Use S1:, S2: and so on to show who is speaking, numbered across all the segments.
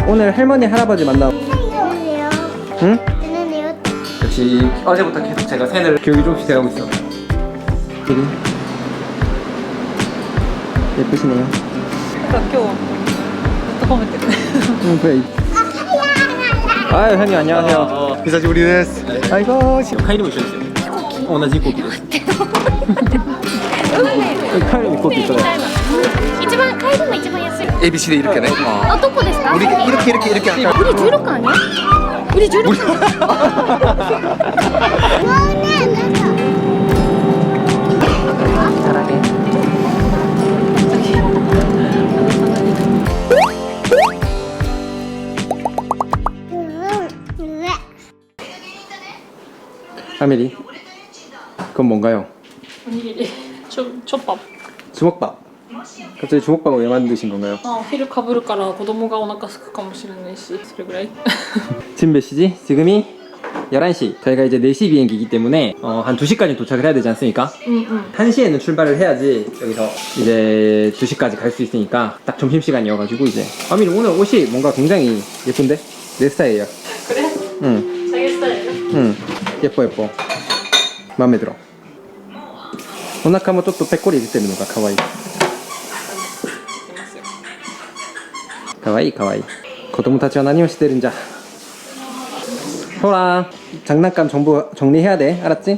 S1: 오늘 할머니 할아버지 만나.
S2: 뜨는데요.
S1: 응?
S2: 뜨는데요.
S1: 역시 어제부터 계속 제가 팬을 교육이 조금씩 돼가고 있어. 되게 예쁘시네요. 응, 그래. 아유, 형님 안녕하세요.
S3: 비사지 우리 데스.
S1: 아이고,
S3: 카이리모 있어요. 오나지 고기です.
S1: 카이로 입고 있어요.
S2: 一番買えるの一番安い。
S3: ABC대 이렇게네.
S2: 아,どこですか?
S3: 우리 이렇게 할까?
S2: 우리 16칸 아니야? 우리 16칸.
S1: 사랑해. 아메리, 그건 뭔가요?
S4: 촛밥.
S1: 주먹밥. 갑자기 주먹밥을 왜 만드신 건가요?
S4: お昼かぶるから子供がお腹空くかもしれないしそれぐらい
S1: 지금 몇 시지? 지금이 11시. 저희가 이제 4시 비행기이기 때문에 한 2시까지 도착을 해야 되지 않습니까? 1시에는 출발을 해야지 여기서 이제 2시까지 갈 수 있으니까 딱 점심시간이어가지고 이제 아미리 오늘 옷이 뭔가 굉장히 예쁜데? 내 스타일이야.
S4: 그래?
S1: 응,
S4: 자기 스타일이야?
S1: 응. 예뻐. 마음에 들어. お腹もちょっとぺっこり出てるのが可愛い。可愛い可愛い。子供たちは何をしてるんじゃ。ほら、장난감 전부 정리해야 돼. 알았지?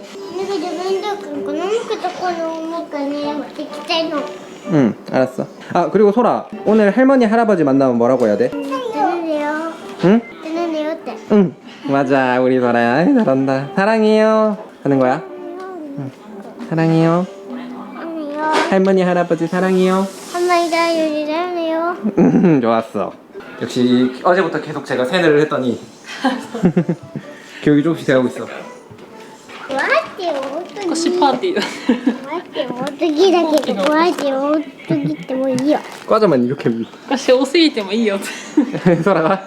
S1: 응, 알았어. 아, 그리고 소라, 오늘 할머니 할아버지 만나면 뭐라고 해야 돼?
S2: 뜨는데요.
S1: 응?
S2: 뜨는데요. 때.
S1: 응. 맞아, 우리 소라야. 아이, 잘한다. 사랑해요. 하는 거야? 응. 사랑해요.
S2: 아니요.
S1: 할머니 할아버지 사랑해요.
S2: 한마디다 요리하네요.
S1: 좋았어. 역시 어제부터 계속 제가 세뇌를 했더니 교육이 조금씩 돼가고 있어.
S2: 待ってよ、
S4: 腰パーティーだ
S2: 待ってよ、大時だけど、待ってよ、大時ってもういいよ。
S1: 과자만 이렇게
S4: 腰多すぎてもいいよって
S1: 소라가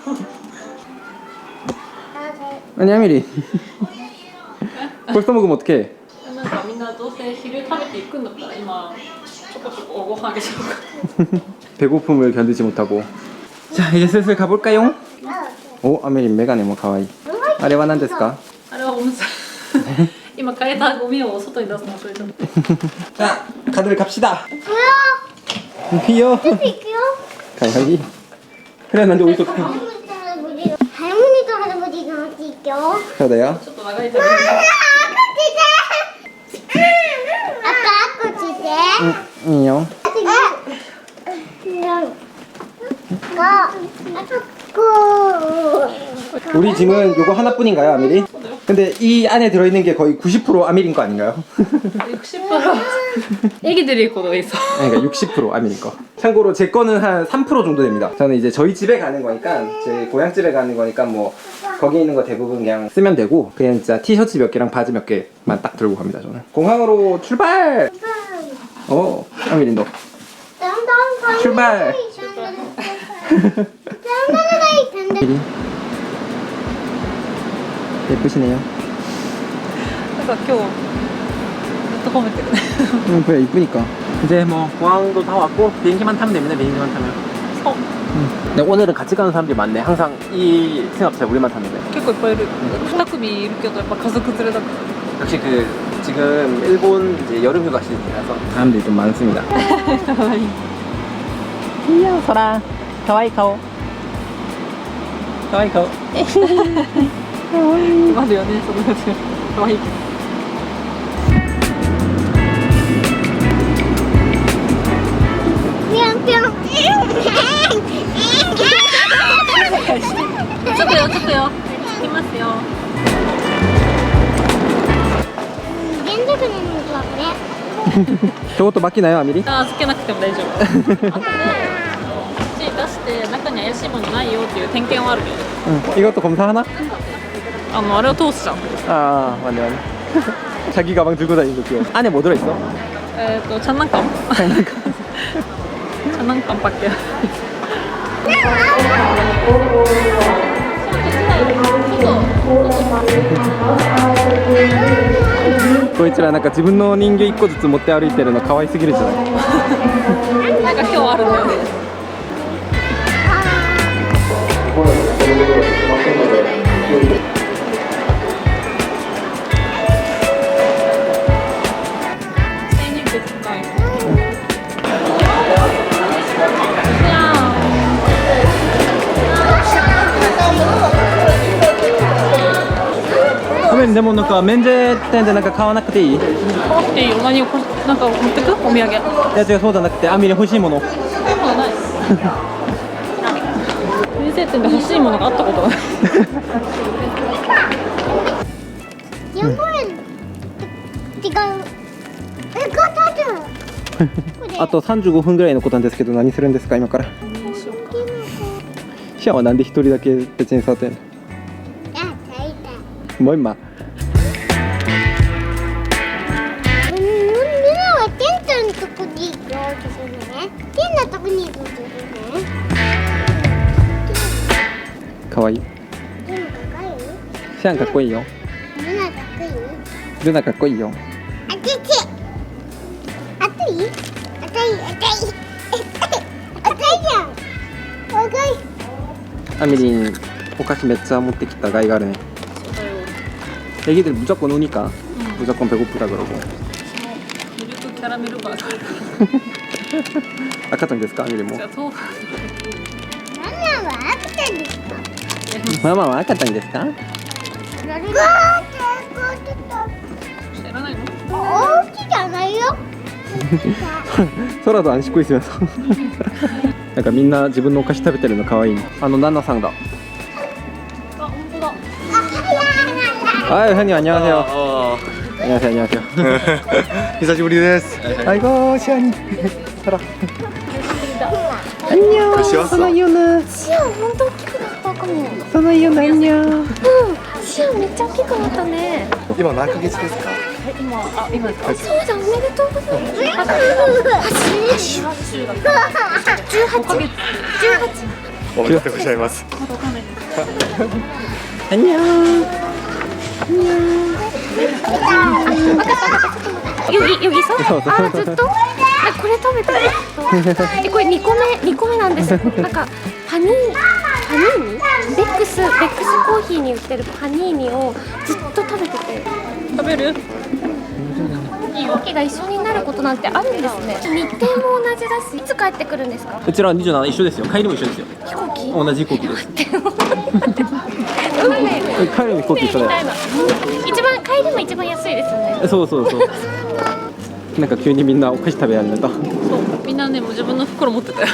S1: 아니 아미리 벌써 먹으면 어떡해.
S4: なんかみんなどうせ昼食べていくんだったら今ちょこちょこご飯あげちゃおうか
S1: 배고픔을 견디지 못하고. 자, 이제 슬슬 가볼까요? 오, 아미리 메가네 뭐 가와이. 아래와何ですか?
S4: あれはおむつ今変えたゴミを外に出すの忘れちゃった
S1: 자, 다들 갑시다.
S2: 뭐야?
S1: 귀여워.
S2: 있고요.
S1: 가와이. 그래, 난데 어디서
S2: 할머니도 할아버지가 같이 있죠.
S1: 그래요?
S4: ちょっと長い旅
S2: 아빠 아빠
S1: 이요. 우리 짐은 요거 하나뿐인가요, 아미리? 근데 이 안에 들어있는 게 거의 90% 아미리인 거 아닌가요?
S4: 60% 애기들이 입고 너 있어
S1: 그러니까 60% 아미리 거. 참고로 제 거는 한 3% 정도 됩니다. 저는 이제 저희 집에 가는 거니까, 제 고향 집에 가는 거니까 뭐 거기 있는 거 대부분 그냥 쓰면 되고, 그냥 진짜 티셔츠 몇 개랑 바지 몇 개만 딱 들고 갑니다, 저는. 공항으로 출발! 아미리 너. 출발! 예쁘시네요.
S4: なんか今日ずっと褒めてるね
S1: 그래, 이쁘니까. 이제 뭐 공항도 다 왔고 비행기만 타면 됩니다. 비행기만 타면. 근데 오늘은 같이 가는 사람들이 많네. 항상 이 승합차 우리만 탔는데.
S4: 結構いっぱいいる2組いるけどやっぱ家族連れだから
S1: 역시 그 지금 일본 이제 여름 휴가 시즌이라서 사람들이 좀 많습니다. 귀여워, 소라. 가와이 카오. 가와이 카오.
S4: まだよねそのやつかわいい
S2: ぴょんぴょん。
S4: ちょっとよちょっとよ行きますよ
S2: 連続なのかこれ。
S1: 저것도 맡기나요, 아미리?
S4: あつけなくても大丈夫後でこっち出して中に怪しいものないよっていう点検はあるけど
S1: 응. 이것도 검사하나?
S4: あれを通すじゃん
S1: 아, 맞네. 자기 가방 들고 다니는 거 귀여워. 안에 뭐 들어있어?
S4: 장난감 장난감밖에
S1: こいつらなんか自分の人形1個ずつ持って歩いてるの可愛すぎるじゃない
S4: なんか今日あるんだよね
S1: でもなんか免税店でなんか買わなくていい？い
S4: 買わなくていいよ。何をなんか持ってく？お土産。
S1: や違う、そうじゃなくてアミリ欲しいもの。
S4: そうない。免税店で欲しいものがあったことがない。
S2: 4円違う。勝ったじゃん。これ
S1: あと35分ぐらいのことなんですけど、何するんですか今から？シアはなんで一人だけ別に触ってんの？
S2: あ、大体。
S1: もう今。
S2: みんなはテントのとこに行こうとするね。テンのとこに行こうとするね。
S1: かわいい。
S2: テンの高い？
S1: シアンかっこいいよ。
S2: みんな高い？
S1: ルナかっこいいよ。
S2: あちち。あたい？あたいあたい。あたいじゃん。若い。
S1: アミリンお菓子めっちゃ持ってきた甲斐があるね. 애기들 무조건 오니까 무조건 배고프다 그러고.
S4: 밀크 캐러멜 바가.
S1: 아까짱ですか? 아미린 뭐?
S2: ママは赤ちゃんですか？
S1: 마마와 아까짱ですか?
S2: うわー、
S4: 知らないの？
S2: おうちじゃないよ。
S1: 空と안 씻고 있으면서. なんかみんな自分のお菓子食べてるの可愛いね. ナナさんだ.
S4: あ、本当だ。
S1: 아유 현이 안녕하세요. 안녕하세요. 안녕하세요.
S3: 久しぶりです。
S1: 아이고 시안이. 살아. 안녕. 소노이유는.
S2: シアン本当大きくなったかも。
S1: 소노이유는 안녕.
S2: シアンめっちゃ大きくなったね。
S3: 今何ヶ月ですか？
S4: 今ですか？
S2: そうじゃん、おめでとうございます。
S3: おめでとうございます。
S1: 안녕.
S2: 여기 있어?
S1: 있어.
S2: 아, ずっと? 나これ食べたい。これ2個目なんです。なんかパニーニベックスコーヒーに売ってるパニーニをずっと食べてて。
S4: 食べる？
S2: 飛行機が一緒になることなんてあるんですね。日程も同じだし、いつ帰ってくるんですか？
S1: うちら27一緒ですよ。帰りも一緒ですよ。
S2: 飛行機？
S1: 同じ飛行機です。
S2: 運命。
S1: 帰りも飛行機一緒だよ。
S2: 帰りも一番安いですよね。
S1: そうそうそう。なんか急にみんなお菓子食べ始めた。
S4: そう、みんなねもう自分の袋持ってたよ。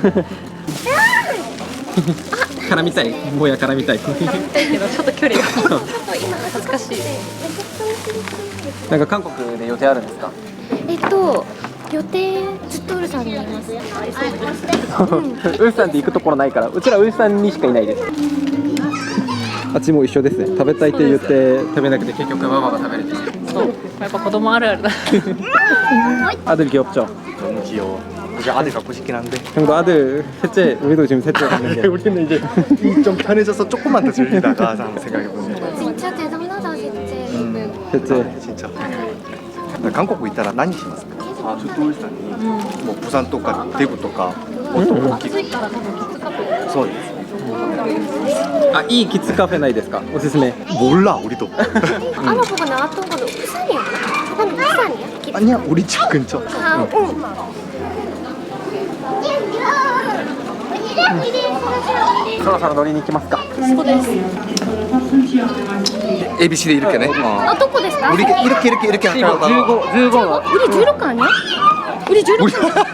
S1: 絡みたい。もや絡みたい。
S4: だけどちょっと距離が。ちょっと今恥ずかしい。
S1: なんか韓国で予定あるんですか？
S2: 予定ずっとウルさんにいます。
S1: ウルさんって行くところないから、うちらウルさんにしかいないです。あっちも一緒ですね。食べたいって言って食べなくて結局ママが食べれてる。
S4: そう、やっぱ子供あるあるだ。
S1: 아들 귀엽죠?
S3: 너무 귀여워. 이제 아들 갖고 싶긴 한데.
S1: 형도 아들 셋째, 우리도 지금 셋째 갔는데
S3: 우리는 이제 좀 편해져서 조금만 더 즐기다가 한번 생각해보면.
S2: 진짜 대단하다 진짜.
S1: 셋째.
S3: 진짜.韓国 있다라何しますか? 아, 저 울산이 뭐 부산 とか 대구 とか
S4: 暑いから多分きつかった。
S3: そうです
S1: 아, 이 키즈 카페 나이 ですか? 오스스메.
S3: 몰라 우리도.
S2: 알아보고 나왔던 건 부산이야. 부산이야?
S3: 아니야 우리 집 근처.
S2: 아, 응.
S1: 서로乗りに行きますか?
S2: そうです.
S3: ABC 대 이렇게네.
S2: 아, どこですか?
S3: 우리 이렇게 하다가
S1: 15가
S2: 우리 16 아니야? 우리 16.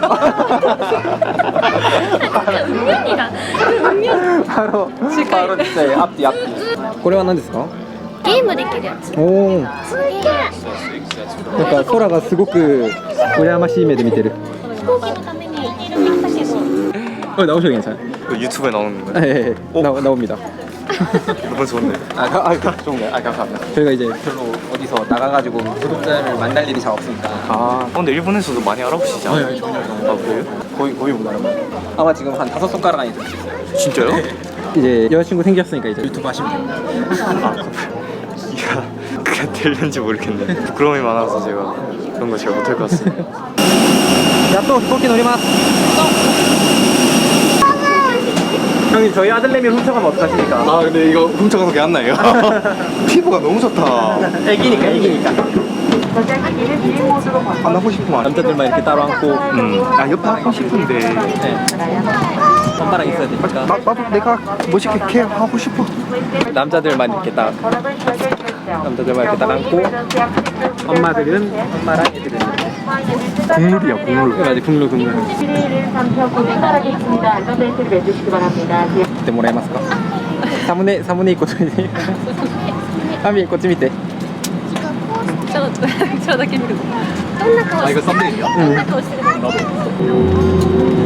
S2: 운명이다. 운명.
S1: 바로 진짜 앞뒤. これは何ですか?
S2: ゲームできるやつ.
S1: 오.
S2: すげえ.
S1: なんか空がすごく羨ましい目で見てる.
S2: 飛行機のために行ったけど.
S1: 나오셔도 괜찮아요.
S3: 유튜브에 나오는 거야.
S1: 네, 나옵니다.
S3: 너무 좋은데.
S1: 좋은가요? 감사합니다. 저희가 이제 별로 어디서 나가가지고 구독자를 만날 일이 잘 없으니까.
S3: 아, 근데 일본에서도 많이 알아보시지 않아요?
S1: 아니, 전혀.
S3: 아, 그래요?
S1: 거의 못 알아봐요. 아마 지금 한 5손가락 안에 들수 있어요.
S3: 진짜요?
S1: 이제 여자친구 생겼으니까 이제 유튜브 하시면 돼요.
S3: 아, 이가 그게 될는지 모르겠네. 부끄러움이 많아서 제가 그런 거 잘 못할 것 같습니다.
S1: 야, 또飛行機乗ります. 형님 저희 아들내미 훔쳐가면 어떡하십니까?
S3: 아, 근데 이거 훔쳐가서 개 안 나요. 피부가 너무 좋다.
S1: 애기니까.
S3: 안 하고 싶으면 안 돼.
S1: 남자들만 이렇게 따로 안고.
S3: 아, 옆에 하고 싶은데.
S1: 네. 손가락 있어야 되니까.
S3: 나도 내가 멋있게 케어하고 싶어.
S1: 남자들만 이렇게 딱. 남자들만 이렇게 딱 앉고 엄마들은 엄마랑 애들은 국룰이야 국룰. 맞아 국룰 국룰. 그때 뭐라 해봤을까? 사무네 입고 좀 이제 하미 입고 좀 이때.
S4: ちょっとだけ見る
S2: どんな顔してる
S1: 썸네일이야?
S2: どんな顔してる